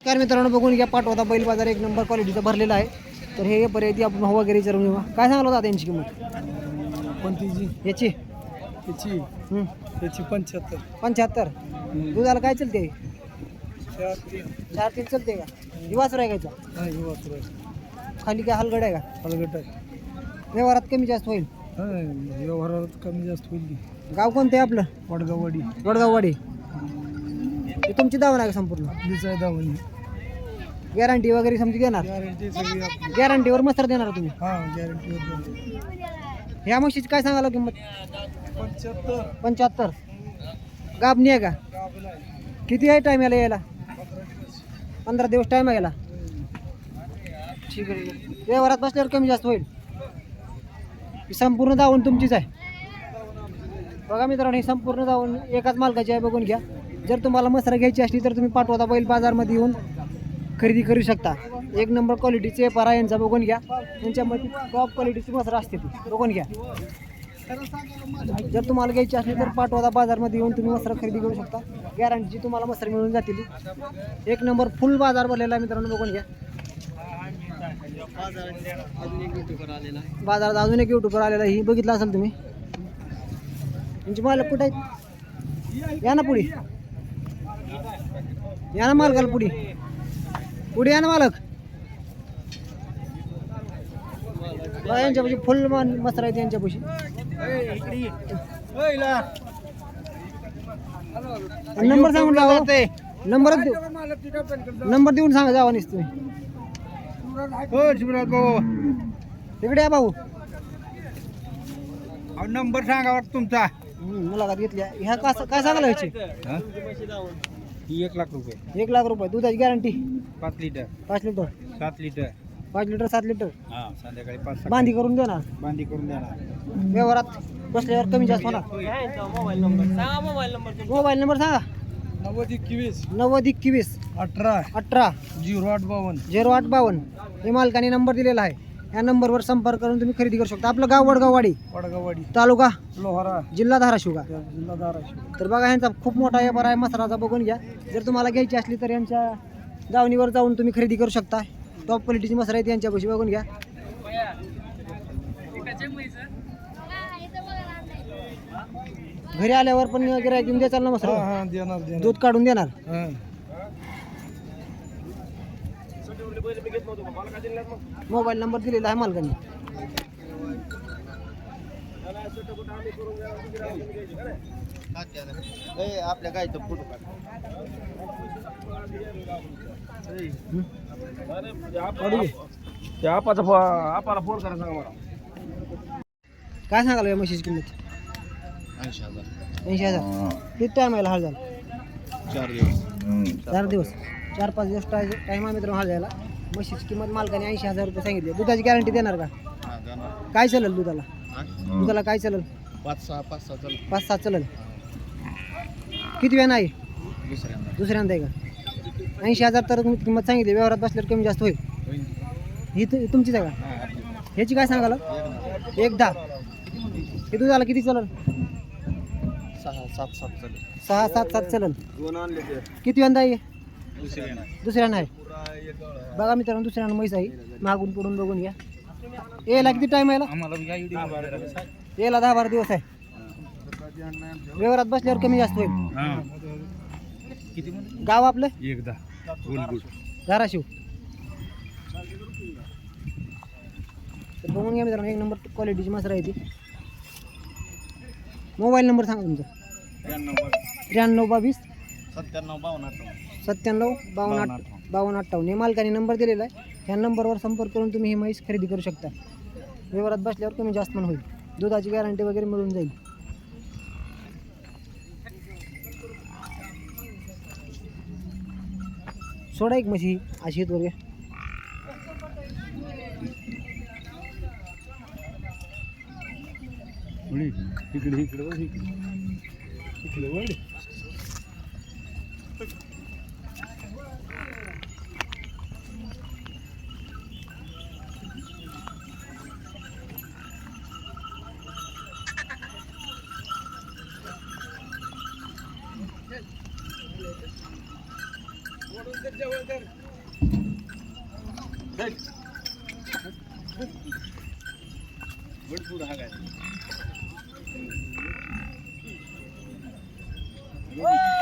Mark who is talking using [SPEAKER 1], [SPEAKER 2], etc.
[SPEAKER 1] नमस्कार मित्रांनो, बघून घ्या पाठवता बैल बाजार एक नंबर क्वालिटीचा भरलेला आहे. तर हे पर्यंत आपण भाव वगैरे विचारून घेऊ. काय सांगाल होता त्यांची किंमत?
[SPEAKER 2] कोणती जी
[SPEAKER 1] याची
[SPEAKER 2] याची याची 75
[SPEAKER 1] 75. दुधाला काय चलते? 4-3 चलते का? दिवास राहायचा खाली काय हलगड आहे का?
[SPEAKER 2] हलगट आहे.
[SPEAKER 1] व्यवहारात कमी जास्त होईल.
[SPEAKER 2] व्यवहारात कमी जास्त होईल.
[SPEAKER 1] गाव कोणतं आहे आपलं?
[SPEAKER 2] वडगाववाडी.
[SPEAKER 1] वडगाववाडी. हे तुमची दावण आहे का संपूर्ण?
[SPEAKER 2] आपलीच आहे दावणी.
[SPEAKER 1] गॅरंटी वगैरे समजी देणार?
[SPEAKER 2] गॅरंटी सगळी आपली.
[SPEAKER 1] गॅरंटीवर मस्तर देणार तुम्ही?
[SPEAKER 2] हां गॅरंटीवर.
[SPEAKER 1] ह्या म्हशीची काय सांगाल किंमत? 75. गाबणी आहे का? किती आहे टाईम यायला? 15 दिवस टाईम आहे याला. ठीक आहे. व्यवहारात बसल्यावर कमी जास्त होईल. ही संपूर्ण दावण तुमचीच आहे. बघा मित्रांनो, ही संपूर्ण दावण एकाच मालकाची आहे. बघून घ्या. जर तुम्हाला मसरा घ्यायची असली तर तुम्ही पाठवता बैल बाजारमध्ये येऊन खरेदी करू शकता. एक नंबर क्वालिटीचे परा यांचा बघून घ्या. यांच्यामध्ये टॉप क्वालिटीची मसरा असते ती बघून घ्या. जर तुम्हाला घ्यायची असली तर पाठवता बाजारमध्ये येऊन तुम्ही मसरा खरेदी करू शकता. गॅरंटीची तुम्हाला मसरा मिळून जातील. एक नंबर फुल बाजार भरलेला आहे मित्रांनो, बघून घ्या. बाजारात अजून एक युट्यूबर आलेला ही बघितलं असेल तुम्ही. तुमची मालक कुठे आहेत? या ना पुढे, या ना मालकाला पुढे पुढे या ना मालक. यांच्यापाशी फुल मसरा आहे यांच्यापाशी. नंबर सांगून जावा. नंबर देऊन सांगा जावा निस तुम्ही. तिकडे या भाऊ.
[SPEAKER 2] नंबर सांगा तुमचा.
[SPEAKER 1] मुलाखत घेतली. ह्या काय सांगायला व्हायची?
[SPEAKER 2] 1 लाख रुपये.
[SPEAKER 1] 1 लाख रुपये. दुधाची guarantee
[SPEAKER 2] 5 litre
[SPEAKER 1] 5 litre
[SPEAKER 2] 7 litre
[SPEAKER 1] 5 litre 7 litre.
[SPEAKER 2] हा संध्याकाळी 5
[SPEAKER 1] बांधी करून देणार.
[SPEAKER 2] बांधी करून देणार.
[SPEAKER 1] व्यवहारात बसल्यावर कमी जास्त होणार. मोबाईल नंबर सांगा.
[SPEAKER 2] 90
[SPEAKER 1] 90
[SPEAKER 2] 18
[SPEAKER 1] 18
[SPEAKER 2] 0852.
[SPEAKER 1] 0852. हे मालकाने नंबर दिलेला आहे. या नंबरवर संपर्क करून तुम्ही खरेदी करू शकता. आपलं गाव वडगाववाडी,
[SPEAKER 2] वडगाववाडी
[SPEAKER 1] तालुका
[SPEAKER 2] लोहारा,
[SPEAKER 1] जिल्हा धाराशिव का?
[SPEAKER 2] जिल्हा धाराशिव.
[SPEAKER 1] तर बघा, ह्यांचा खूप मोठा व्यापार आहे मसराचा. बघून घ्या. जर तुम्हाला घ्यायची असली तर यांच्या दावणीवर जाऊन तुम्ही खरेदी करू शकता. टॉप क्वालिटीची मसरा आहेत यांच्यापाशी. बघून घ्या. घरी आल्यावर पण गिऱ्हाईक घेऊन द्याल ना मसरा?
[SPEAKER 2] देणार
[SPEAKER 1] दूध काढून देणार. मोबाईल नंबर दिलेला आहे मालकाने.
[SPEAKER 2] आपल्या गायचं फोटो फोन करा सांगा मला.
[SPEAKER 1] काय सांगाल या म्हशीची किंमत? 80,000. किती टाइम आहे हाल झाला?
[SPEAKER 2] 4 दिवस.
[SPEAKER 1] 4 दिवस 4-5 दिवस टाइम आहे मित्रांनो हाल जायला. म्हशीची किंमत मालकाने 80,000 रुपये सांगितली. दुधाची गॅरंटी देणार का? काय चालेल दुधाला? दुधाला काय चालेल? 5-6 चालेल. किती वेळ नाही? दुसऱ्यांदा आहे का? 80,000 तर किंमत सांगितली. व्यवहारात बसल्यावर कमी जास्त होईल. ही तुमचीच आहे का? ह्याची काय सांगाल? 1-10. हे दुधाला किती चालेल? 6-7 चालेल. किती वेळा आहे? दुसऱ्यांदा आहे. बघा मित्रांनो, दुसऱ्यांदा म्हैस आहे. मागून पुढून बघून घ्या. यायला किती टाइम आहे? यायला 10-12 दिवस आहे. व्यवहारात बसल्यावर कमी जास्त होईल. गाव आपलं धाराशिव. तर बघून घ्या मित्रांनो, एक नंबर क्वालिटीची मसरा आहे ती. मोबाईल नंबर सांगा तुमचा. 9322 97 52 58. हे मालकाने नंबर दिलेला आहे. ह्या नंबरवर संपर्क करून तुम्ही ही म्हैस खरेदी करू शकता. व्यवहारात बसल्यावर कमी जास्त पण होईल. दुधाची गॅरंटी वगैरे मिळून जाईल. सोडा एक म्हशी अशी येत वगैरे.
[SPEAKER 2] हा काय